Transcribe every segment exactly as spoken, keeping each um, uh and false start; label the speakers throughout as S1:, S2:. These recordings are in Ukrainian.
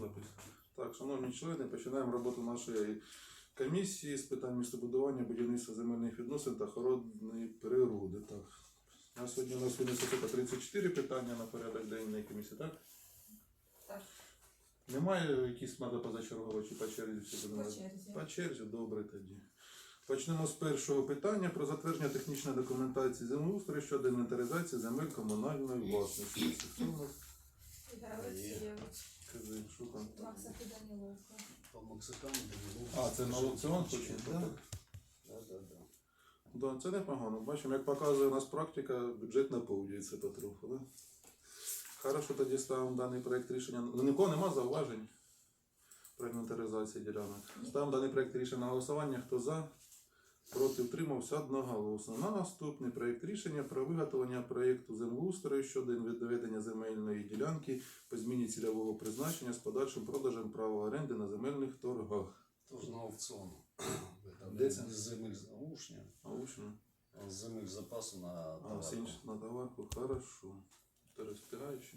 S1: запис. Так, шановні члени, починаємо роботу нашої комісії з питань містобудування, будівництва земельних відносин та охорони природи. Так. На сьогодні у нас винесено тридцять чотири питання на порядок денний комісії, так?
S2: Так.
S1: Немає якісь треба позачергово чи по черзі? Всі
S2: По черзі.
S1: По черзі, добре тоді. Почнемо з першого питання про затвердження технічної документації землеустрою щодо інвентаризації земель комунальної власності. Хто у нас?
S2: Ігор Олексійович,
S1: Кажи, що там?
S2: Максаки Даніловка.
S3: По Максикану Даніловка.
S1: А, це на аукціон хочемо?
S3: Да. Да, да, да.
S1: Да, це непогано. Бачимо, як показує у нас практика, бюджет наповнюється потроху. Да? Хорошо, тоді ставимо даний проєкт рішення. Ну, нікого нема зауважень про інвентаризацію ділянок. Ставимо даний проєкт рішення на голосування. Хто за? Проти, утримався одноголосно. На наступний проєкт рішення про виготовлення проєкту землеустрою щодо відведення земельної ділянки по зміні цільового призначення з подальшим продажем права оренди на земельних торгах.
S3: Тож на аукціон.
S1: Де це?
S3: З земель з Аушня,
S1: Аучно.
S3: з земель запасу на
S1: А,
S3: товарку.
S1: сінч на товарку. Хорошо. Ти розпігаючи.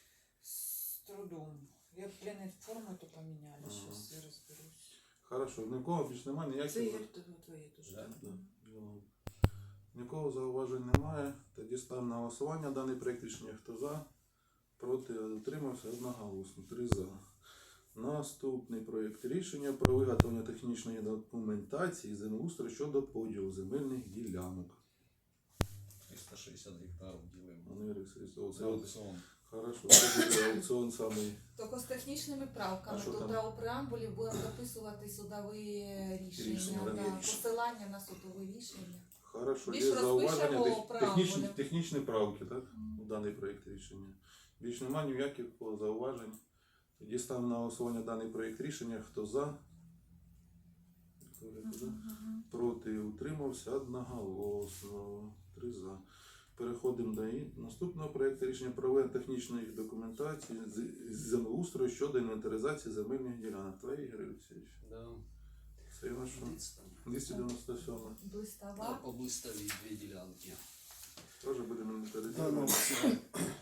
S4: С трудом. Я, блин, форму то поменяли,
S1: Ага.
S4: сейчас я разберусь.
S1: Хорошо. Нікого більш немає
S4: Це
S1: ніяких.
S4: Ігор, то твоє теж.
S3: Да.
S1: Да. Ну, нікого зауважень немає. Тоді ставимо на голосування даний проєкт рішення. Хто за? Проти, утримався одноголосно. Три за. Наступний проєкт рішення про виготовлення технічної документації землеустрою щодо поділу земельних ділянок.
S3: триста шістдесят гектарів ділимо.
S1: Вони реєструються. Це
S3: На
S1: от,
S3: аукціон.
S1: хорошо. Це буде аукціон самий.
S2: Тільки з технічними правками.
S1: А що
S2: Тут
S1: там?
S2: у преамбулі будемо записувати судові рішення,
S1: Рішення,
S2: да,
S1: да.
S2: посилання на судові рішення.
S1: Хорошо.
S2: Більш
S1: Є зауваження.
S2: розпишемо
S1: Тех-
S2: преамбулі.
S1: Технічні, технічні правки, так? У даний проєкт рішення. Більш немає ніяких зауважень. Тоді ставимо на голосування даний проєкт рішення. Хто за? Вікторія, хто за? Проти, утримався одноголосно. Три за. Переходимо до і- наступного проєкту рішення про виготовлення технічної документації з з землеустрою щодо інвентаризації земельних ділянок. Твої, Ігор Олексійович?
S3: Да.
S1: Це на що?
S3: Дивіться там.
S1: двісті дев'яносто сьоме.
S3: Да,
S2: Блистава.
S3: по Блистові дві ділянки.
S1: Теж будемо
S3: Да, на
S1: інвентаризувати.
S3: аукціон.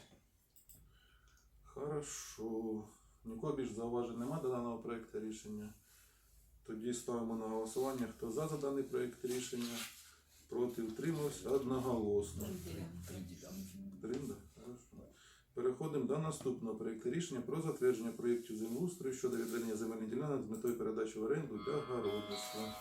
S1: Хорошо. Нікого більш зауважень немає до даного проєкту рішення. Тоді ставимо на голосування. Хто за за даний проєкт рішення? Проти, утримався одноголосно.
S3: Три, три ділянки.
S1: Тринда? Хорошо. Переходимо до наступного проєкту рішення про затвердження проєктів землеустрою щодо відведення земельних ділянок з метою передачі в оренду для городництва.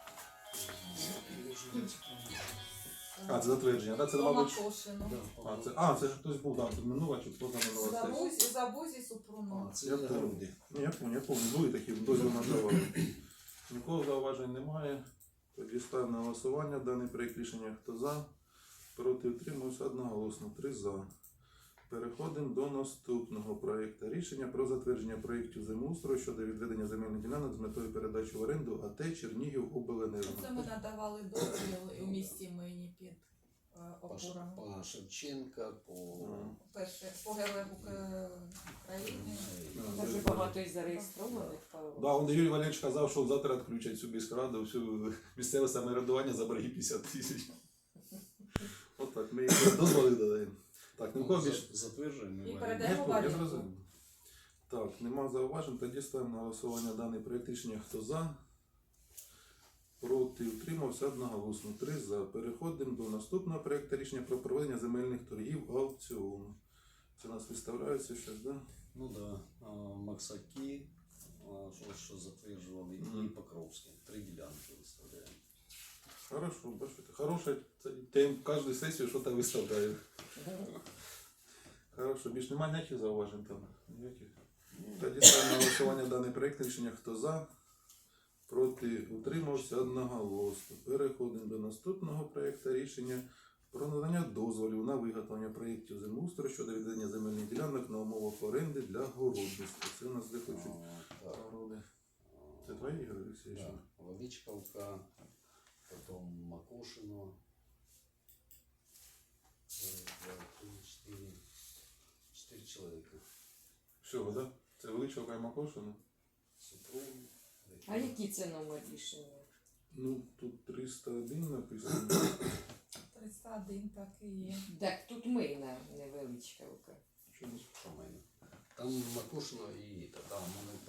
S1: А, це затвердження, так? Це, мабуть...
S2: Макошину.
S3: Да,
S1: А, це, а, це ж хтось був, так, тут минула чи позаминула сесія.
S2: Забузі, забузі Супруну.
S3: А, це
S1: Я
S3: для
S1: помню.
S3: груди.
S1: Ні, я пам'ятаю, я пам'ятаю, були такі дозвіл надавали. Нікого зауважень немає. Тоді ставимо на голосування даний проєкт рішення. Хто за? Проти, утримуюся одноголосно. Три за. Переходимо до наступного проєкту рішення про затвердження проєктів землеустрою щодо відведення земельних ділянок з метою передачі в оренду АТ Чернігів обленерго.
S2: Це ми надавали дозвіл у місті Мині під е,
S3: По, Ш-
S2: опорами.
S3: по Шевченка, по...
S2: Перше, по героях Ука- України.
S1: А,
S4: Дуже багато і зареєстрованих.
S1: Да, он Юрій Валерійович казав, що завтра відключать всю міськраду, всю місцеве самоврядування за борги п'ятдесят тисяч. От так, ми їх дозволили додаємо. Так, нікого
S3: За-
S1: більше.
S3: Затверджуємо.
S2: І
S3: і
S2: передаємо.
S1: Я,
S2: Йдемо
S1: я
S2: валюту.
S1: зрозумів. Так, нема зауважень, тоді ставимо на голосування даний проєкт рішення. Хто за? Проти, утримався одноголосно. Три за. Переходимо до наступного проєкту рішення про проведення земельних торгів аукціону. Це у нас виставляється щось, так? Да?
S3: Ну да, а, Максаки, а, що, що затверджували,
S1: Мгм.
S3: і Покровське. Три ділянки виставляємо.
S1: Хорошо, бачите. Хороша тема, кожну сесію щось виставляю. Хорошо, більш немає ніяких зауважень там? Ніяких? Тоді ставимо на голосування даний проєкт рішення. Хто за? Проти, утримався одноголосно. Переходимо до наступного проєкту рішення про надання дозволів на виготовлення проєктів землеустрою щодо відведення земельних ділянок на умовах оренди для городництва. Це у нас де хочуть
S3: А, так,
S1: городи. Це
S3: а,
S1: твої, Ігор Олексійович?
S3: да, Величковка, потом Макушино. Раз, два, три, четыре. Четыре человека.
S1: Всього, так? Да? Це Величовка і Макошина?
S3: Супруг.
S4: А який це номер рішення?
S1: Ну, тут триста один написано.
S2: тридцять один так і є.
S4: Так, тут ми на невеличка рука.
S1: Чому?
S3: Що в мене? Там Макушино і та, там вони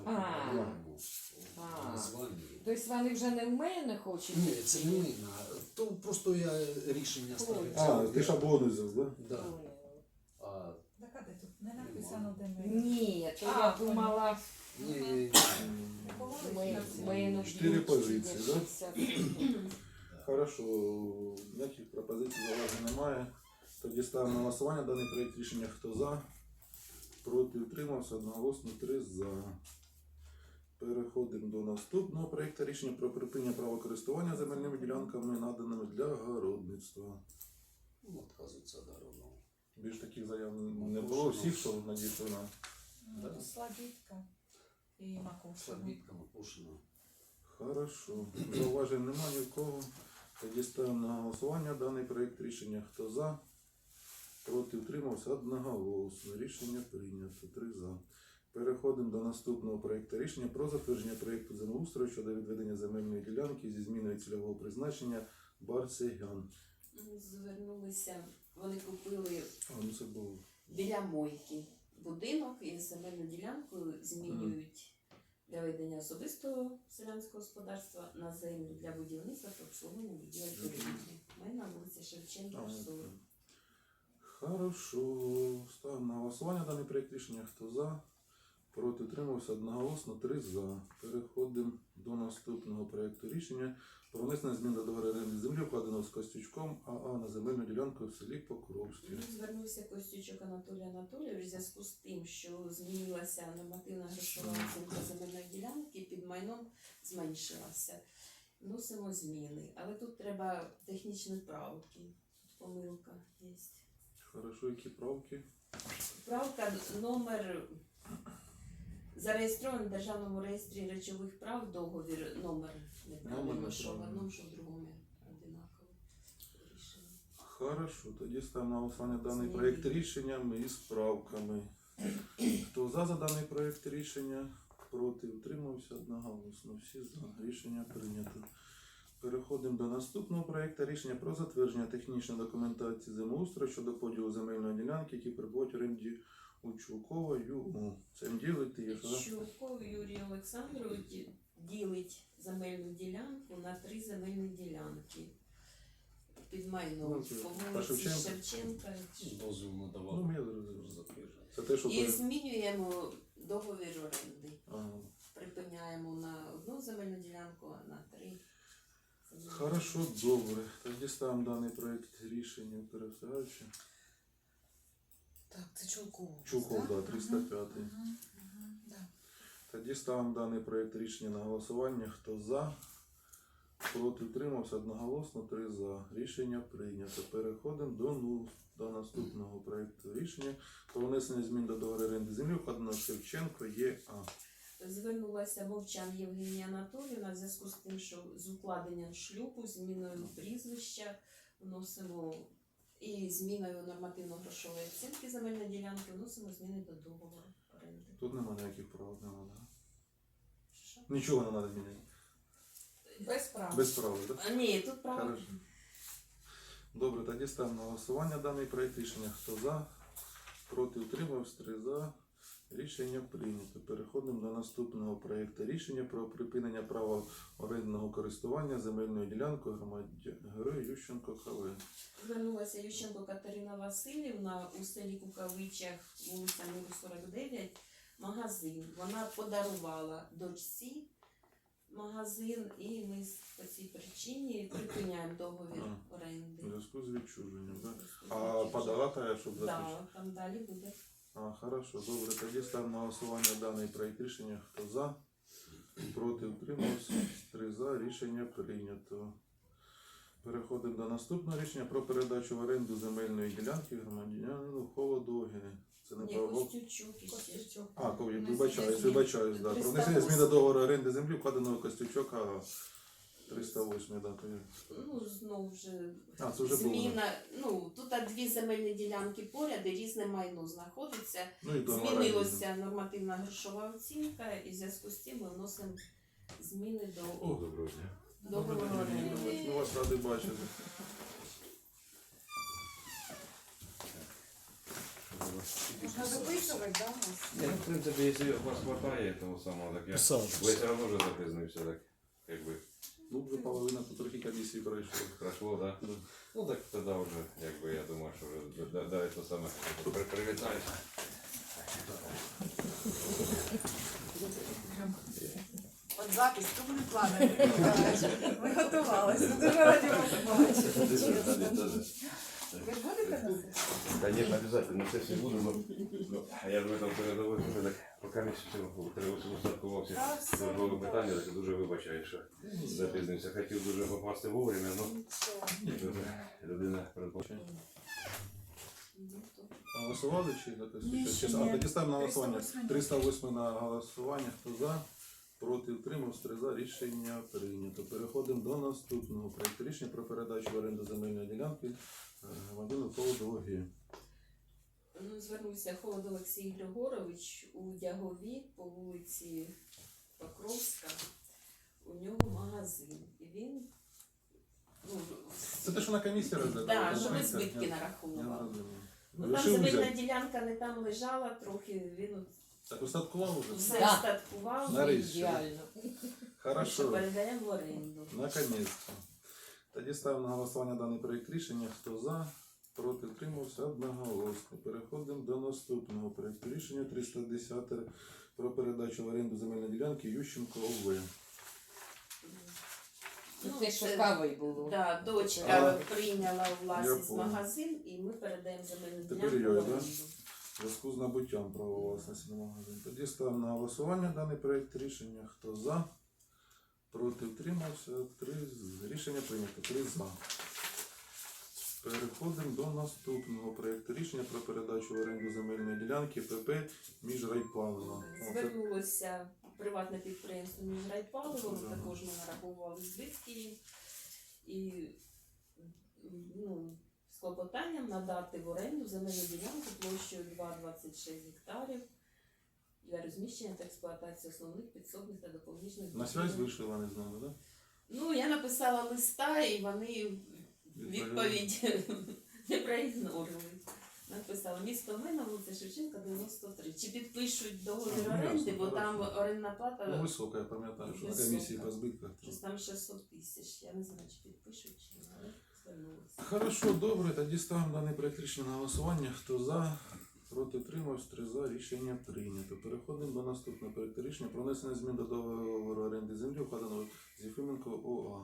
S5: А.
S3: норму
S5: А.
S3: названня.
S5: Тобто вони вже не в мене хочуть?
S3: Ні, це не ми, то просто я рішення ставлю.
S1: А, ти шаблони взяв, да?
S3: Да. А,
S4: Так, а де тут не написано, де ми.
S5: Ні, то
S4: А,
S5: я думала,
S3: ні, ні,
S5: ми, ми ну,
S1: Чотири
S5: б'ють,
S1: позиції,
S5: чи
S1: да?
S5: шістдесят.
S1: Хорошо, ніяких пропозицій зауважень немає. Тоді ставимо на голосування даний проєкт рішення. Хто за? Проти утримався одноголосно три за. Переходимо до наступного проєкту рішення про припинення права користування земельними ділянками, наданими для городництва.
S3: ну, відказується даровно.
S1: Більш таких заяв не було. Всіх, що надійшли на.
S4: Ну, Слабітка і Макушина.
S3: Слабітка, Макушина.
S1: Хорошо. Зауважень немає ні в кого. Тоді ставимо на голосування даний проєкт рішення. Хто за? Проти утримався одноголосно. Рішення прийнято. Три за. Переходимо до наступного проєкту рішення про затвердження проєкту землеустрою щодо відведення земельної ділянки зі зміною цільового призначення Барсегян.
S6: Звернулися, вони купили
S1: А, ну це було.
S6: біля мойки будинок і земельну ділянку змінюють для ведення особистого селянського господарства на землю для будівництва та обслуговування будівель торгівлі. Ми на вулиці Шевченка,
S1: А,
S6: сорок.
S1: Хорошо. Ставимо на голосування даний проєкт рішення. Хто за? Проти утримався одноголосно. Три за. Переходимо до наступного проєкту рішення про внесення змін до договору оренди землі, вкладеного з Костючком АА на земельну ділянку в селі Покровське.
S6: Звернувся Костючок Анатолій Анатолійович в зв'язку з тим, що змінилася нормативна грошова оцінка земельної ділянки, під майном зменшилася. Вносимо зміни, але тут треба технічні правки. Тут помилка є.
S1: Хорошо, які правки?
S6: Правка номер зареєстрований в Державному реєстрі речових прав, договір номер неправильно,
S1: Номер
S6: що в
S1: неправильно.
S6: одному, що в другому одинаково рішення.
S1: Хорошо, тоді ставимо на голосування даний
S6: Зміни.
S1: проєкт рішення із правками. Хто за за даний проєкт рішення? Проти утримався одноголосно. Всі за. Рішення прийнято. Переходимо до наступного проєкту рішення про затвердження технічної документації землеустрою щодо поділу земельної ділянки, які перебувають в оренді у Чулкова ЮУ. Цим ділити є, що? да?
S6: Чулков Юрій Олександрович ділить земельну ділянку на три земельні ділянки. Під майном
S1: Ну, це
S6: по
S1: та
S6: вулиці
S1: Шевченка.
S6: Шевченка.
S3: Дозвіл
S1: Ну,
S3: надавав.
S1: я зрозумів.
S3: Затвердження.
S1: Це те, що
S6: І
S1: перед-
S6: змінюємо договір оренди.
S1: Ага.
S6: Припиняємо на одну земельну ділянку, а на три. земельні
S1: Хорошо, добре. Тоді ставимо даний проєкт рішення пересаючи.
S4: Так, це Чулков.
S1: Чулков, да, триста п'ятий.
S4: Да.
S1: Тоді ставимо даний проєкт рішення на голосування. Хто за? Проти утримався одноголосно, три за. Рішення прийнято. Переходимо до, ну, до наступного проєкту рішення про внесення змін до договору оренди землі, вкладеного Шевченко ЄА.
S6: Звернулася Мовчан Євгенія Анатоліївна в зв'язку з тим, що з укладенням шлюбу, зміною прізвища вносимо і зміною нормативно-грошової оцінки земельної ділянки вносимо зміни до договору оренди.
S1: Тут немає ніяких прав, не треба.
S6: Що?
S1: Нічого не треба змінити.
S4: Без прав.
S1: Без права, так?
S6: А, ні, тут право.
S1: Хорошо. Добре, тоді ставимо на голосування даний проєкт рішення. Хто за? Проти утримався, три за. Рішення прийнято. Переходимо до наступного проєкту рішення про припинення права орендного користування земельною ділянкою громадянину Ющенко КВ.
S6: Звернулася Ющенко Катерина Васильівна у селі Кукавичах, вулиця Миру сорок дев'ять, магазин. Вона подарувала дочці магазин, і ми з- по цій причині припиняємо договір
S1: А.
S6: оренди.
S1: У зв'язку з відчуженням, так?
S6: Зв'язку з
S1: А
S6: відчуженням.
S1: подала та, щоб заключити?
S6: Да, там далі буде.
S1: А, хорошо, добре. Тоді ставимо на голосування даний проєкт рішення. Хто за? Проти утримався. Три за. Рішення прийнято. Переходимо до наступного рішення про передачу в оренду земельної ділянки громадянину Холодогіни. Це не
S6: Ні,
S1: право.
S6: Костючук іще.
S4: Костючок.
S1: А, кові,
S4: Внесення
S1: вибачаюсь,
S4: змін.
S1: вибачаюсь, да. Про
S6: триста
S1: внесення змін до
S6: восьмий.
S1: договору оренди землі, вкладеного Костючок, а триста восьмий, да, то є.
S6: Ну, знову вже
S1: А, це вже було.
S6: зміна. Ну, тут а дві земельні ділянки поряд, і різне майно знаходиться.
S1: Ну і договор оренди.
S6: Змінилася нормативна грошова оцінка, і в зв'язку з цим ми вносимо зміни до
S1: О, доброго дня.
S6: договору оренди.
S1: Ми вас раді бачити.
S4: Можна записувати, да, у нас?
S7: Ні, ну, в принципі, якщо у вас хватає того самого, так я...
S3: Писав.
S7: Ви все одно вже запізнився, так, якби,
S1: Ну, вже половина тут трохи комісії пройшла.
S7: пройшло, так?
S1: Да.
S7: Ну, так тоді вже, якби, я думаю, що вже да- да, це саме при- привітаюся.
S4: От запись, то ми плани. Ми готувалися. Дуже раді вас побачити. Ви ж будете на сесії?
S7: Конечно, обязательно, на сессии буду, но я ж в этом передовой, що так, поки не устаткувався
S4: Та все
S7: службове
S4: добре.
S7: питання, так дуже вибачаю, що запізнився. Хотів дуже попасти вовремя, але
S4: Нічого.
S7: людина передбачає.
S6: Ну, то
S1: А голосували чи якось?
S4: Ні,
S1: Чи-
S4: ще
S1: чи-
S4: ні.
S1: А тоді ставимо на голосування.
S4: триста восьмий.
S1: триста восьмий на голосування. Хто за? Проти утримався, три за. Рішення прийнято. Переходимо до наступного проєкту рішення про передачу в оренду земельної ділянки е, громадянину Колодогі.
S6: Ну, звернувся Холод Олексій Григорович у Дягові по вулиці Покровська. У нього магазин. І він, ну,
S1: Це те, що на комісії розглядали?
S6: да,
S1: так?
S6: що ми
S1: Я-
S6: збитки
S1: я
S6: нараховували.
S1: розумію.
S6: Ну, там
S1: Вирішив
S6: земельна
S1: взяти.
S6: ділянка не там лежала, трохи він
S1: Так устаткував уже?
S6: все
S5: Да.
S6: статкував,
S1: Нарешті.
S5: Ідеально.
S6: що
S1: Хорошо.
S6: передаємо в оренду.
S1: Наконец-то. Тоді ставимо на голосування даний проєкт рішення. Хто за? Проти утримався одноголосно. Переходимо до наступного проєкту рішення триста десяте про передачу в оренду земельної ділянки Ющенко ОВ.
S5: Ну, це що кавою було.
S6: Да, дочка
S1: А,
S6: прийняла у
S1: я
S6: власність
S1: понял.
S6: магазин і ми передаємо земельну
S1: Тепер
S6: ділянку в
S1: його, да?
S6: оренду.
S1: В зв'язку з набуттям права власності на магазин. Тоді ставимо на голосування даний проєкт рішення. Хто за? Проти утримався. Три з- Рішення прийнято. Три за. Переходимо до наступного проєкту рішення про передачу в оренду земельної ділянки ПП Міжрайпалива.
S6: Звернулося приватне підприємство Міжрайпаливо,
S1: Ага.
S6: також ми нараховували збитки їм. І ну, з клопотанням надати в оренду земельну ділянку площею два цілих двадцять шість гектарів для розміщення та експлуатації основних підсобних та допоміжних
S1: На связь вийшли, вони з нами, так?
S6: Ну, я написала листа, і вони відповідь не проігнорили. Написала місто Мина, вулиця Шевченка, дев'яносто три. Чи підпишуть договір
S1: А, ну,
S6: оренди,
S1: ясно,
S6: бо там
S1: хорошо.
S6: орендна
S1: Ну,
S6: плата
S1: висока, я пам'ятаю, що на
S6: Висока.
S1: комісії по збитках.
S6: щось там шістсот тисяч. Я не знаю, чи підпишуть, чи ні, але звернулися.
S1: Хорошо, добре, тоді ставимо даний проєкт рішення на голосування. Хто за? Проти утримався, три за. Рішення прийнято. Переходимо до наступного проєкту рішення про внесення змін до договору оренди землі, вкладеного з Єфименко ОА.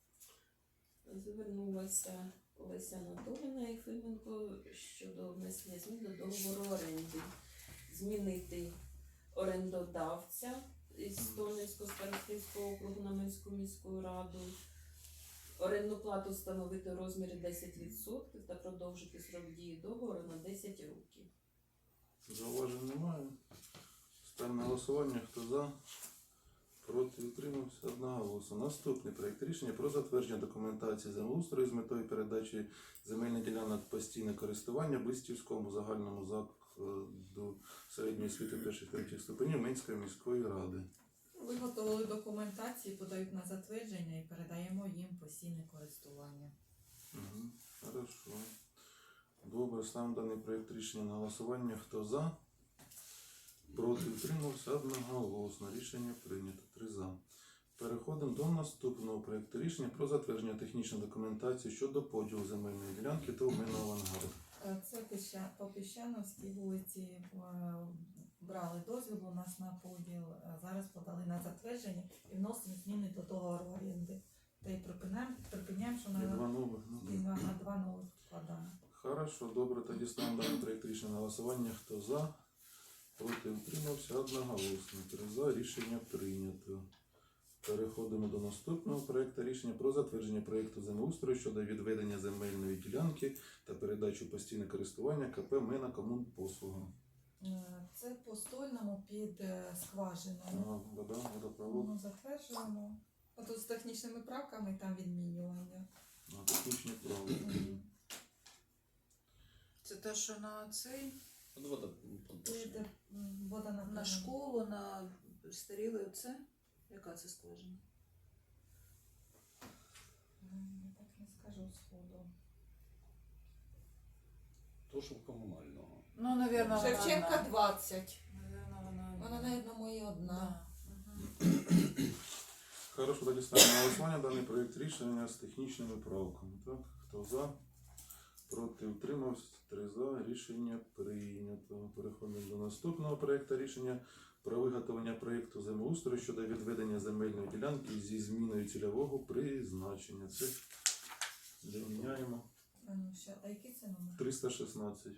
S6: Звернулася Олеся Анатоліївна Єфименко щодо внесення змін до договору оренди. Змінити орендодавця із Стольницького старостинського округу на Минську міську раду. Орендну плату встановити у розмірі десять відсотків та продовжити срок дії договору на десять років.
S1: Зауважень немає. Ставимо на голосування. Хто за? Проти утримався одноголосно. Наступний проєкт рішення про затвердження документації землеустрою з метою передачі земельних ділянок постійне користування Блистівському загальному закладу середньої освіти перших третіх ступенів Минської міської ради.
S2: Виготовили документації, подають на затвердження і передаємо їм постійне користування.
S1: Угу. Хорошо. Добре, ставимо даний проєкт рішення на голосування. Хто за? Проти утримався одноголосно. Рішення прийнято. Три за. Переходимо до наступного проєкту рішення про затвердження технічної документації щодо поділу земельної ділянки та обмінного ангару.
S2: Е, Це Піща- по Піщановській вулиці е, брали дозвіл у нас на поділ, е, зараз подали на затвердження і вносимо зміни до договору оренди. Та й припиняємо, припиняємо, що
S1: Є
S2: на,
S1: два нових. Ну.
S2: і на, на два нових вкладаємо.
S1: Хорошо, добре, тоді ставимо даний проєкт рішення на голосування. Хто за? Проти утримався одноголосно. Три за. Рішення прийнято. Переходимо до наступного проєкту рішення про затвердження проєкту землеустрою щодо відведення земельної ділянки та передачу постійне користування КП Мена Комунпослуга.
S2: Е, Це по стольному під е,
S1: А,
S2: скважиною.
S1: Вода, водопровод.
S2: Ну, затверджуємо. А тут з технічними правками там відмінювання.
S1: А, технічні право.
S2: Мгм.
S4: Це те, що на цей,
S3: От вода
S2: Під
S3: подбашена.
S2: м, вода на
S4: на школу, на старіле оце? Яка це скважина?
S2: М, Я так не скажу сходу.
S3: То, що комунального.
S4: Ну, навірно, вона
S2: Шевченка
S4: одна.
S2: двадцять.
S4: Навірно, вона одна.
S2: Вона, навіть, моє одна.
S4: Да. Мгм.
S1: Хорошо, тоді ставимо на голосування даний проєкт рішення з технічними правками. Так, хто за? Проти утримався, три за. Рішення прийнято. Переходимо до наступного проєкту рішення про виготовлення проєкту землеустрою щодо відведення земельної ділянки зі зміною цільового призначення. Це де міняємо
S2: А ну, ще, а який це номер?
S1: триста шістнадцять.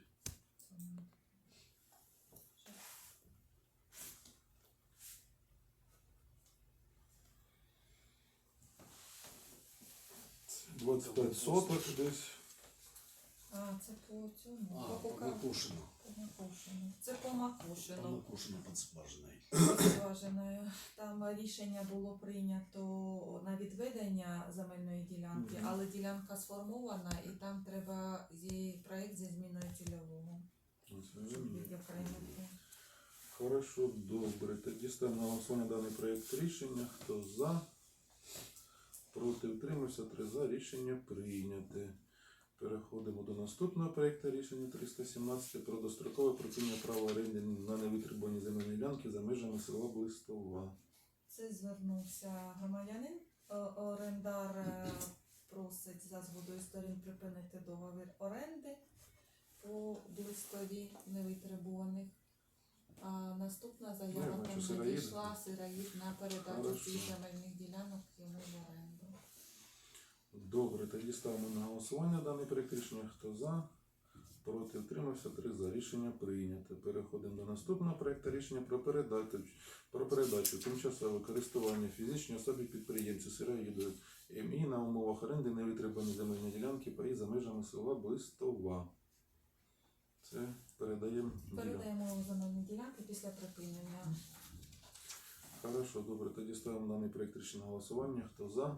S1: двадцять п'ять соток десь.
S2: А, це по цьому.
S3: А,
S2: по
S3: по
S2: Кука-
S3: Макушину.
S2: по Макушину. Це по
S3: По
S2: Макушину.
S3: Макушину під скважиною.
S2: Зваженою. Там рішення було прийнято на відведення земельної ділянки,
S1: Мгм.
S2: але ділянка сформована і там треба зі проєкт зі зміною цільового. Щоб відокремити.
S1: Хорошо, добре. Тоді ставимо на голосування даний проєкт рішення. Хто за? Проти утримався, три за. Рішення прийняте. Переходимо до наступного проєкту рішення триста сімнадцять про дострокове припинення права оренди на невитребувані земельні ділянки за межами села Блистова.
S2: Це звернувся громадянин. О- Орендар е, просить за згодою сторін припинити договір оренди по блистові невитребуваних. А наступна
S1: Ну, я
S2: заява
S1: бачу,
S2: там
S1: сироїд.
S2: надійшла сироїд на передачу
S1: Хорошо.
S2: цих земельних ділянок йому в оренду.
S1: Добре, тоді ставимо на голосування даний проєкт рішення. Хто за? Проти утримався, три за. Рішення прийнято. Переходимо до наступного проєкту рішення про передачу, про передачу тимчасове користування фізичній особі підприємцю сироїду ем і на умовах оренди невитребувані земельні ділянки паї за межами села Блистова. Це передаємо. ділянку.
S2: Передаємо земельні ділянки після припинення.
S1: Хорошо, добре. Тоді ставимо даний проєкт рішення на голосування. Хто за?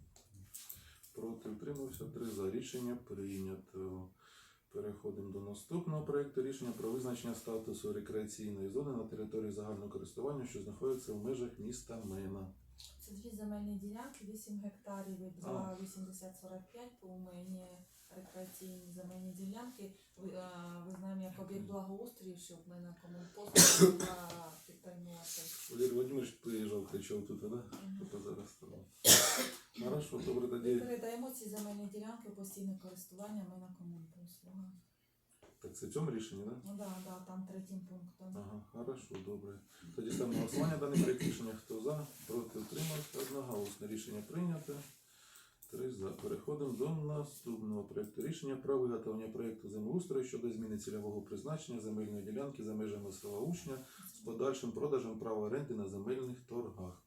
S1: Проти утримався, три за. Рішення прийнято. Переходимо до наступного проєкту рішення про визначення статусу рекреаційної зони на території загального користування, що знаходиться в межах міста Мена.
S2: Це дві земельні ділянки, вісім гектарів і два вісімдесят сорок п'ять по умені рекреаційні земельні ділянки. Ви, а, ви знаємо, як об'єкт благоустрою, щоб ми на комунпост була підтримувати.
S1: Валерій Володимирович приїжджав, кричав тут, так? Тобто зараз там. Хорошо, добре,
S2: Ми
S1: тоді.
S2: передаємо ці земельні ділянки у постійне користування ми на комунпослуга.
S1: Так, це в цьому рішенні, так?
S2: Ну да, да, там третім пунктом.
S1: Ага, хорошо, добре. Тоді ставимо на голосування даний проєкт рішення. Хто за? Проти утримався. Одноголосне рішення прийнято. Три за. Переходимо до наступного проєкту рішення про виготовлення проєкту землеустрою щодо зміни цільового призначення земельної ділянки за межами села Учня з подальшим продажем права оренди на земельних торгах.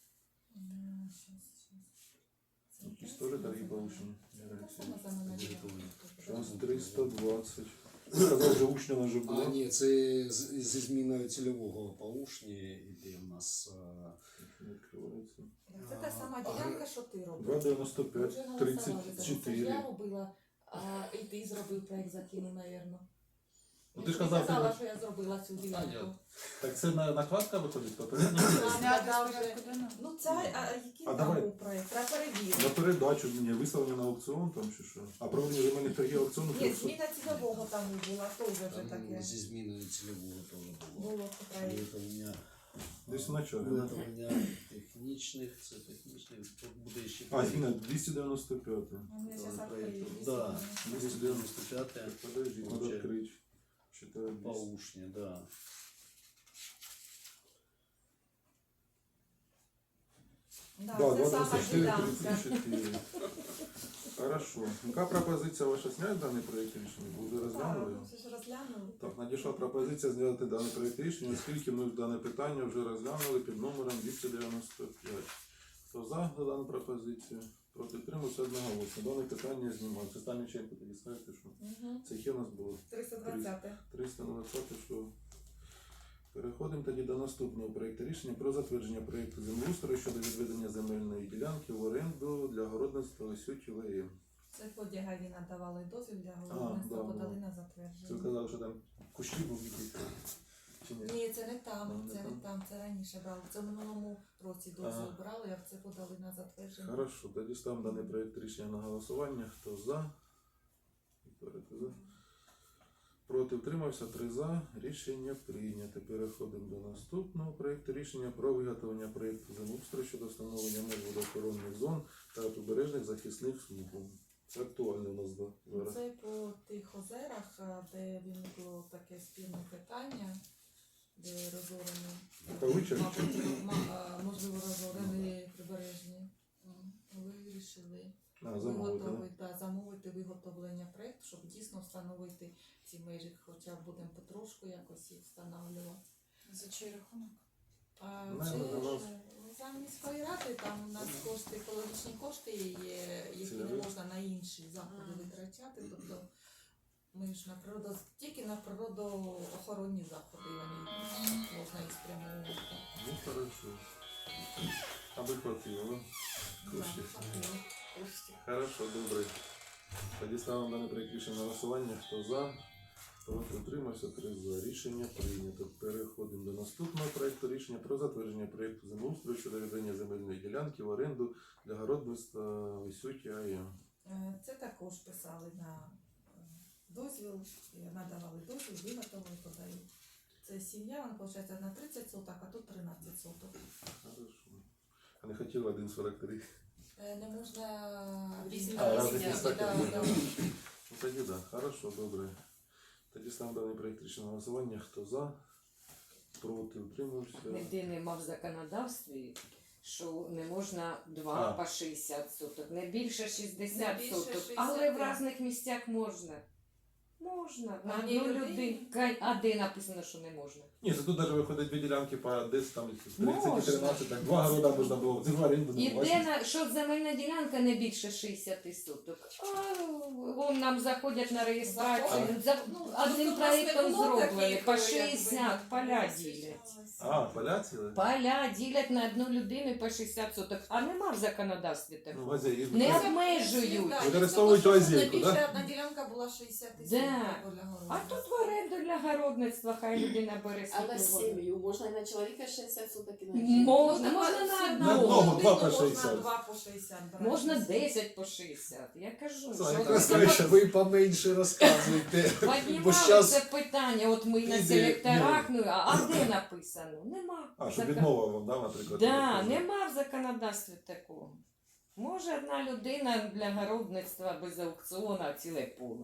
S2: М, щас, щас. Це
S1: Якісь
S2: якраз
S1: теж торги
S2: вона
S1: повищені?
S2: Та сама земельна ділянка.
S1: Зараз триста двадцять. Сказав, вже Учня вже
S3: А,
S1: було.
S3: ні, це з- зі зміною цільового по Ушні іде у нас. а,
S1: Не відкривається.
S2: Це та сама ділянка, що ти робиш.
S1: два дев'яносто
S2: Ми
S1: п'ять,
S2: вже голосували за
S1: тридцять
S2: це.
S1: чотири.
S2: Я робила, а і ти зробив проєкт закинув, напевно.
S1: Ну, ти ж казав,
S2: казала,
S1: ти-
S2: що я зробила цю ділянку.
S3: я-
S1: Так це на, накладка виходить попередня?
S2: Зняти з порядку денного? Ну це, а, а який
S1: А
S2: там
S1: давай.
S2: був проєкт? Треба перевірити.
S1: На передачу, ні, виставлення на аукціон там чи що? А проведення земельних торгів аукціону?
S2: Ні, зміна цільового там була, теж вже
S3: Там
S2: таке.
S3: зі зміною цільового теж було.
S2: Було проєкт.
S3: Виготовлення,
S1: Десь в началі. да?
S3: виготовлення технічних, це технічних, тут буде ще.
S1: А, зміна двісті дев'яносто п'ять.
S2: Ну, я зараз
S3: проєкту.
S2: відкрию.
S3: Да,
S2: Дійсно.
S3: двісті дев'яносто п'ять
S1: Подожди, надо
S3: Получаю.
S1: відкрити. Читаю
S3: по
S1: двісті.
S3: Ушні, да.
S2: Да,
S1: Да,
S2: це сама
S1: двадцять чотири
S2: ділянка.
S1: тридцять чотири. Хорошо. Яка пропозиція ваша зняти даний проєкт рішення? Ви вже розглянули?
S2: Так, ми ж розглянули.
S1: Так, надійшла пропозиція зняти даний проєкт рішення, оскільки ми дане питання вже розглянули під номером двісті дев'яносто п'ять. Хто за дану пропозицію? Проти тримався одноголосно. Дане питання знімається. Останню чайку тоді скажете, що
S2: Угу.
S1: це є у нас було
S2: триста двадцять.
S1: триста двадцять, що переходимо тоді до наступного проєкту рішення про затвердження проєкту землеустрою щодо відведення земельної ділянки в оренду для городництва Лисюті ВМ.
S2: Це по Дягаві надавали дозвіл для головництва,
S1: да,
S2: подали
S1: да.
S2: на
S1: Це
S2: затвердження.
S1: казали, що там кущі був якийсь. Чи ні?
S2: Ні, це не там,
S1: А, не
S2: це
S1: там.
S2: не там, це раніше брали. Це в минулому році дозвіл
S1: Ага.
S2: брали, а це подали на затвердження.
S1: Хорошо, тоді ставимо даний проєкт рішення на голосування. Хто за? Вікторія, ти за? Проти утримався три за. Рішення прийнято. Переходимо до наступного проєкту рішення про виготовлення проєкту землеустрою щодо встановлення меж водоохоронних зон та прибережних захисних смуг. Це актуально у нас да, зараз.
S2: Це по тих озерах, а, де виникло таке спільне питання, де розорені,
S1: Павичок?
S2: мабуть, ма- а, можливо, розорені прибережні. М, Вирішили
S1: А, замовити, да?
S2: виготовити, да, замовити виготовлення проєкту, щоб дійсно встановити ці межі, хоча б будемо потрошку якось їх встановлювати.
S4: За чий рахунок?
S2: А
S1: Не,
S2: це
S1: ну, у нас-
S2: ж за міської ради, там у нас кошти, екологічні кошти є, які не
S1: Цільові?
S2: можна на інші заходи
S4: Ага.
S2: витрачати. Тобто ми ж на природу, тільки на природоохоронні заходи вони можна їх спрямовувати.
S1: Ну, хорошо. Аби хватило, да? Коштів. Хорошо, добре. Тоді ставимо даний проєкт рішення на голосування. Хто за? Проти утримався, три за. Рішення прийнято. Переходимо до наступного проєкту рішення про затвердження проєкту землеустрою щодо відведення земельної ділянки в оренду для городництва Висюті АЕМ.
S2: Е, Це також писали на е, дозвіл, і надавали дозвіл, виготовили, подають. Це сім'я, вона виходить на тридцять соток, а тут тринадцять соток.
S1: Хорошо. А не хотіли один сорок три.
S2: Е, Не можна
S6: Різні
S1: А,
S6: різні,
S1: разних
S6: да,
S1: містах.
S2: да, да.
S1: Ну тоді так, да. Хорошо, добре. Тоді ставимо даний проєкт рішення на голосування. Хто за? Проти утримався.
S5: Ніде нема в законодавстві, що не можна два
S1: А.
S5: по шістдесят соток, не більше
S2: Не
S5: шістдесят
S2: більше
S5: соток,
S2: шістдесят,
S5: але в
S2: так.
S5: різних місцях можна. Можна. На
S2: Одній
S5: одну
S2: людині?
S5: людину. Ка- А де написано, що не можна?
S1: Ні, це тут навіть виходить дві ділянки по десь там
S5: Можна.
S1: тридцять тринадцять, так два города можна було. Це два оренду не
S5: І де
S1: бачиш.
S5: на що земельна ділянка не більше шістдесят соток. А вон нам заходять на реєстрацію. За, ну, одним
S2: Тобто у нас не
S5: проєктом
S2: було
S5: зроблені
S2: таких,
S5: по
S2: якби,
S5: шістдесят поля
S2: не
S5: ділять.
S1: А, поля ціли?
S5: Поля ділять на одну людину по шістдесят соток, а нема в законодавстві
S1: Ну,
S5: такого.
S1: в Азії.
S5: Не
S1: так.
S5: обмежують.
S2: Да,
S1: Використовують
S2: тобто, щоб
S1: лазейку,
S2: найбільше
S1: да?
S2: одна ділянка була шістдесят тисяч
S5: Да.
S2: для городу.
S5: А тут в оренду для городництва хай людина бере
S6: А на
S5: свій
S6: сім'ю можна і на чоловіка шістдесят соток і на
S5: Можна,
S6: жінку?
S5: можна на
S1: На
S5: одного.
S1: одного, два по
S2: Можна
S1: шістдесят.
S2: два по шістдесят брати.
S5: Можна десять по шістдесят. Я кажу,
S1: Це
S5: що
S1: якраз
S5: от
S1: краще.
S8: Ви поменше розказуйте. Бо
S5: піднімали
S8: щас
S5: це питання, от ми на
S8: іде-
S5: селекторах, ну, а а де написано? Нема.
S1: А, щоб
S5: Закон-
S1: відмова вам, да, наприклад?
S5: Да, нема в законодавстві такого. Може одна людина для городництва без аукціону ціле поле.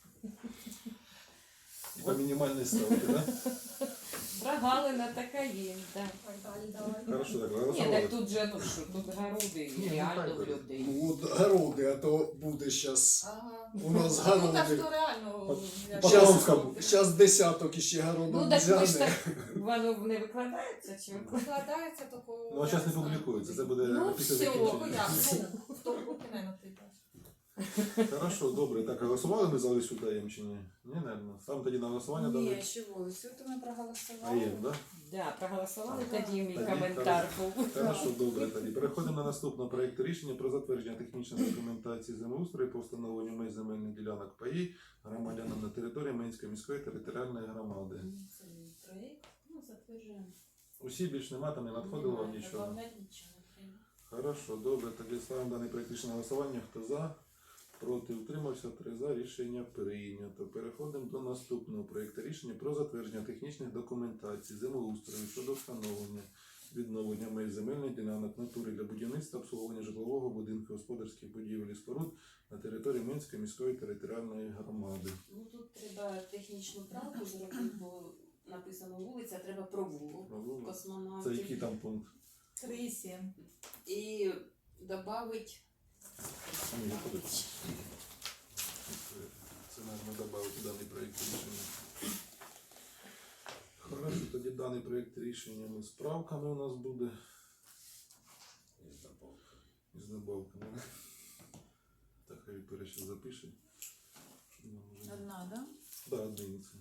S1: І по мінімальній ставці, да?
S5: Прогалина така є, так.
S2: Так, далі, давай.
S1: Хорошо, так,
S5: Ні,
S1: голосували.
S5: так тут же, ну що, тут городи
S1: Ні, ну,
S5: реально
S1: хай
S5: в
S1: буде.
S5: людей.
S8: ну, от городи, а то буде зараз.
S2: Ага.
S8: У нас
S2: Ну так
S8: городи.
S2: що реально. як-
S1: по
S8: Щас-
S1: Покровському.
S8: Зараз десяток іще городом
S5: Ну так ми ж
S8: взяне.
S5: так, воно не викладається чи викладається?
S2: Викладається такого.
S1: Ну, а зараз не публікується, це буде
S5: Ну,
S1: після
S5: все,
S1: закінчення.
S2: Ну, хто руки не натикає.
S1: Хорошо, добре. Так, а голосували ми за Лисю даєм чи ні? Ні, наверное. Ставимо тоді на голосування
S4: Ні,
S1: дали.
S4: чого? Все то ми проголосували.
S1: Аєм, да?
S5: Да, проголосували тоді мій
S1: Тоді
S5: коментар був.
S1: Хорошо, добре тоді. Переходимо на наступний проєкт рішення про затвердження технічної документації землеустрою по встановленню меж земельних ділянок паї громадянам на території Менської міської територіальної громади.
S6: Це проєкт, ну, затверджуємо.
S1: Усі більш нема, там не надходило вам
S6: Немає,
S1: нічого.
S6: добавляти нічого не треба.
S1: Хорошо, добре. Тоді ставимо даний проєкт рішення на голосування. Хто за? Проти утримався, три за. Рішення прийнято. Переходимо до наступного проєкту рішення про затвердження технічних документацій землеустрою щодо встановлення відновлення меж земельних ділянок натури для будівництва, обслуговування житлового будинку, господарських будівель і споруд на території Менської міської територіальної громади.
S6: Ну тут треба технічну правку зробити, бо написано вулиця, треба провулок
S1: Провулок. Це
S6: космонавтів.
S1: який там пункт?
S2: Три сім.
S6: І додати
S1: А, ні, виходить. Це можна додати даний проєкт рішення. Хорошо, тоді даний проєкт рішення ми з правками у нас буде. І з добавками. Так, хай Вікторія ще запише. Щоб нам вже не-
S4: Одна, да?
S1: Да, одиниця.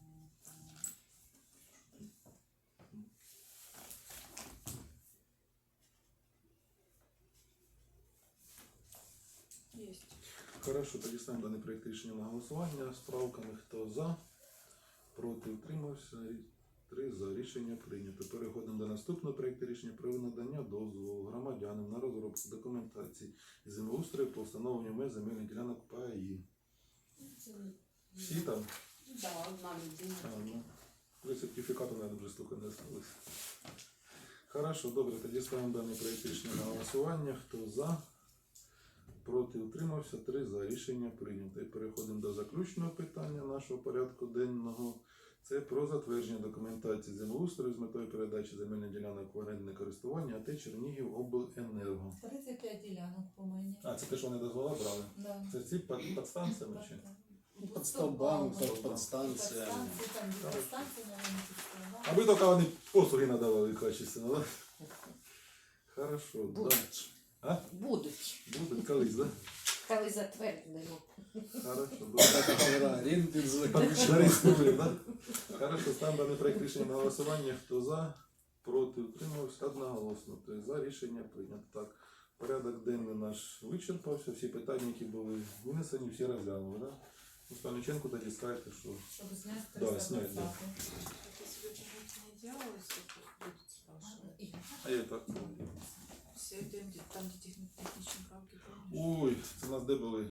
S4: Єсть.
S1: Хорошо, тоді ставимо даний проєкт рішення на голосування з правками. Хто за, проти утримався. Три за. Рішення прийнято. Переходимо до наступного проєкту рішення про надання дозволу громадянам на розробку документації і землеустрою по встановленню меж земельних ділянок ПАІ.
S6: це
S1: Всі там?
S6: Да, одна людина.
S1: А, ну, при сертифікату, наверное, вже стільки не осталось. Хорошо, добре, тоді ставимо даний проєкт рішення на голосування. Хто за? Проти, утримався, три за. Рішення прийнято. І переходимо до заключного питання нашого порядку денного. Це про затвердження документації землеустрою з метою передачі земельних ділянок в орендне користування АТ Чернігів обленерго.
S2: тридцять п'ять ділянок по мені.
S1: А, це те, що вони дозвола брали?
S2: Да.
S1: Це ці під, під станціями чи?
S8: Під стовбами,
S2: Стовбами.
S8: під підстанціями.
S2: Підстанції, там є підстанції, наверное, підстанції.
S1: Аби тільки вони послуги надавали качественно, да? Хорошо, да.
S5: Будуть.
S1: А?
S5: Будуть.
S1: Будуть колись, да?
S5: Коли затвердимо.
S1: Хорошо, добре.
S8: Гора, ринки
S1: Зареєструємо, да? Хорошо, ставимо даний проект рішення на голосування. Хто за, проти, утримався, одноголосно. Тобто за рішення прийнято. Так, порядок денний наш вичерпався, всі питання, які були винесені, всі розглянули, да? Ну, Стальниченку тоді скажете, що...
S2: Щоб зняти
S1: Да,
S2: триста
S1: снять, да.
S2: двадцять.
S4: Это сегодня не делалось, это будет спрашивать.
S1: А я так...
S4: Все это, где- там, где техни- технічні правки, помнишь?
S1: Ой, це у нас де були?